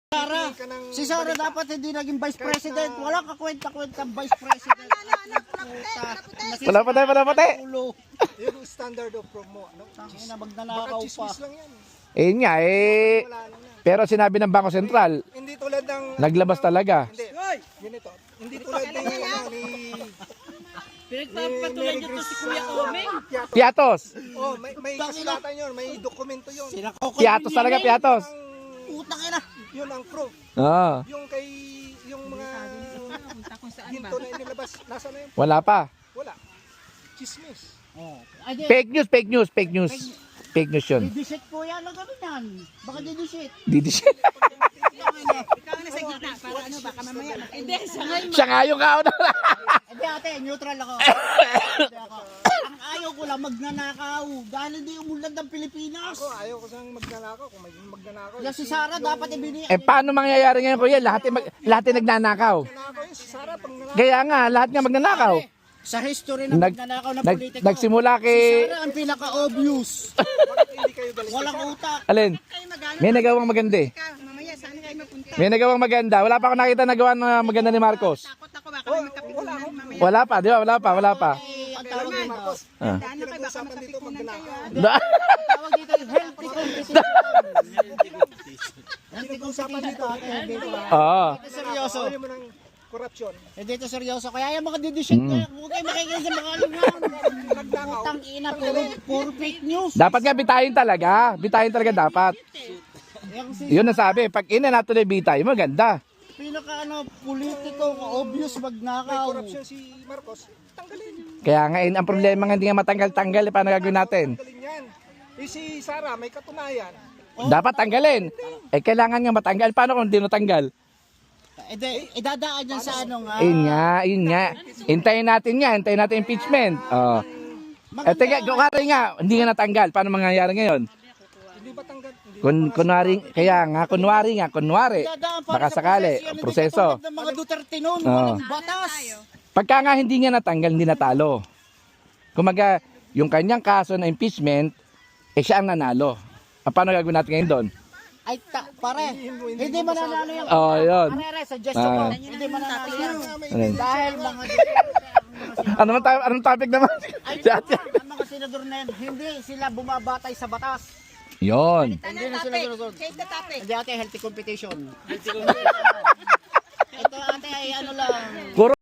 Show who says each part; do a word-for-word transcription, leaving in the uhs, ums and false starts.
Speaker 1: Sara, si Sara dapat hindi naging vice president. Walang kakwenta-kwenta vice president.
Speaker 2: Wala pa tayo, wala pa tayo.
Speaker 3: Yung standard of promo, ano?
Speaker 1: Tangina,
Speaker 3: Baka
Speaker 1: magnanakaw pa.
Speaker 3: chismis lang yan.
Speaker 2: Eh nga eh.
Speaker 3: Wala lang yan.
Speaker 2: Pero sinabi ng Bangko Sentral,
Speaker 3: Hindi tulad ng...
Speaker 2: naglabas talaga.
Speaker 3: Hindi, ganito. Hindi tulad ng ano, ni...
Speaker 4: Pinagpapatulan nyo to si Kuya Omeng.
Speaker 2: Piatos.
Speaker 3: Oh, may, may kasulatan yun, may dokumento yun.
Speaker 2: Piatos talaga, Piatos.
Speaker 3: Ang,
Speaker 1: Utang ina.
Speaker 3: yun ang proof.
Speaker 2: Oo.
Speaker 3: Yung kay... Yung mga... Hinto na inilabas. Nasa na yun?
Speaker 2: Wala pa.
Speaker 3: Wala. Chismis.
Speaker 1: Oh. Ay, di,
Speaker 2: Fake news, fake news, fake news. Fake news yun.
Speaker 1: didisit po yan. Ano gano'n yan? Baka didisit.
Speaker 2: Didi
Speaker 4: Ikaw na sa gitna para ano baka mamaya. Hindi, sa ngayon.
Speaker 2: siya nga yung kauna.
Speaker 1: Hindi ate, neutral ako. Hindi ako. Ang ayaw ko lang magnanakaw. Dahil hindi umunlad ng Pilipinas.
Speaker 3: Ako, ayaw ko sang magnanakaw. Kung may magnanakaw.
Speaker 1: Yung si Sara dapat ibini.
Speaker 2: Eh paano mangyayari ngayon kuya? Lahat yung, mag- lahat yung nagnanakaw.
Speaker 3: Magnanakaw yun, si Sara pang nanakaw.
Speaker 2: Kaya nga, lahat nga magnanakaw.
Speaker 1: Sa history ng
Speaker 2: Nag,
Speaker 1: magnanakaw na
Speaker 2: nag,
Speaker 1: politiko.
Speaker 2: nagsimula
Speaker 1: Si
Speaker 2: kay...
Speaker 1: Sara ang pinaka-obvious.
Speaker 3: Bakit hindi kayo galit?
Speaker 1: Walang utak.
Speaker 2: Alin?
Speaker 4: Kayo magano.
Speaker 2: May nagawang maganda eh.
Speaker 4: Mamaya saan kayo mapunta?
Speaker 2: May nagawang maganda. Wala pa ako nakita nagawa na maganda ni Marcos.
Speaker 4: Takot ako baka may magkapitulan mamaya.
Speaker 2: Wala pa, di ba? Wala pa, wala pa.
Speaker 1: Eh, ang tawag dito.
Speaker 3: Marcos,
Speaker 2: Ah.
Speaker 4: Daan na kayo baka
Speaker 3: pinag-usapan dito
Speaker 4: magkapitulan kayo.
Speaker 3: magnanakaw.
Speaker 1: Ang tawag dito yung healthy competition. Healthy competition dito ate. Dito ah.
Speaker 2: Oo.
Speaker 1: Ito seryoso.
Speaker 3: Ayaw mo ng korupsyon.
Speaker 1: Eh dito seryoso. Kaya yung mga didisit
Speaker 2: Mm.
Speaker 1: kaya huwag kayo makikinig sa mga alingan. Putang ina, puro, puro fake news.
Speaker 2: Dapat nga bitayin talaga. Bitayin talaga dapat.
Speaker 1: Yung si
Speaker 2: Yun ang sabi. Pag ina natin na bitay, maganda.
Speaker 1: pinaka ano, politiko, obvious
Speaker 3: May
Speaker 1: magnakaw.
Speaker 3: korupsyon si Marcos. Tanggalin.
Speaker 2: Kaya nga, eh, ang problema nga hindi nga matanggal-tanggal. Eh, paano gagawin natin?
Speaker 3: Tanggalin yan. Eh si Sara, may katunayan.
Speaker 2: Dapat tanggalin. Eh, kailangan nga matanggal. Paano kung hindi natanggal?
Speaker 1: Eh, di, idadaan yan sa ano nga.
Speaker 2: Yun nga, yun nga. Hintayin natin nga. Hintayin natin impeachment. Oh. Eh, teka, kunwari nga, hindi nga natanggal. Paano mangyayari ngayon?
Speaker 3: Hindi ba tanggal? Hindi
Speaker 2: Kun, kunwari, kaya nga, kunwari nga, kunwari.
Speaker 1: Idadaan para
Speaker 2: Baka
Speaker 1: sa
Speaker 2: sakali,
Speaker 1: proseso. Yan, hindi
Speaker 2: proseso.
Speaker 1: katulad ng mga Duterte noon,
Speaker 2: Oo.
Speaker 1: walang batas.
Speaker 2: Pagka nga hindi nga natanggal, hindi natalo. Kumaga, yung kanyang kaso na impeachment, eh siya ang nanalo. Ah, paano gagawin natin ngayon doon?
Speaker 1: Ay, ta, pare, hindi mananalo yan.
Speaker 2: Oo, oh, yun.
Speaker 1: Pare, suggestion ko,
Speaker 2: Ah.
Speaker 1: hindi mananalo yan.
Speaker 2: Ano yun?
Speaker 1: Dahil mga
Speaker 2: Ano man tayo, anong topic naman?
Speaker 1: ay,
Speaker 2: Si ate.
Speaker 1: ang mga senador na yan, hindi sila bumabatay sa batas.
Speaker 2: Yun.
Speaker 1: Hindi na sila sinusunod.
Speaker 4: Change the topic.
Speaker 1: Hindi ate, healthy competition. Ito ate ay ano lang.
Speaker 2: Puro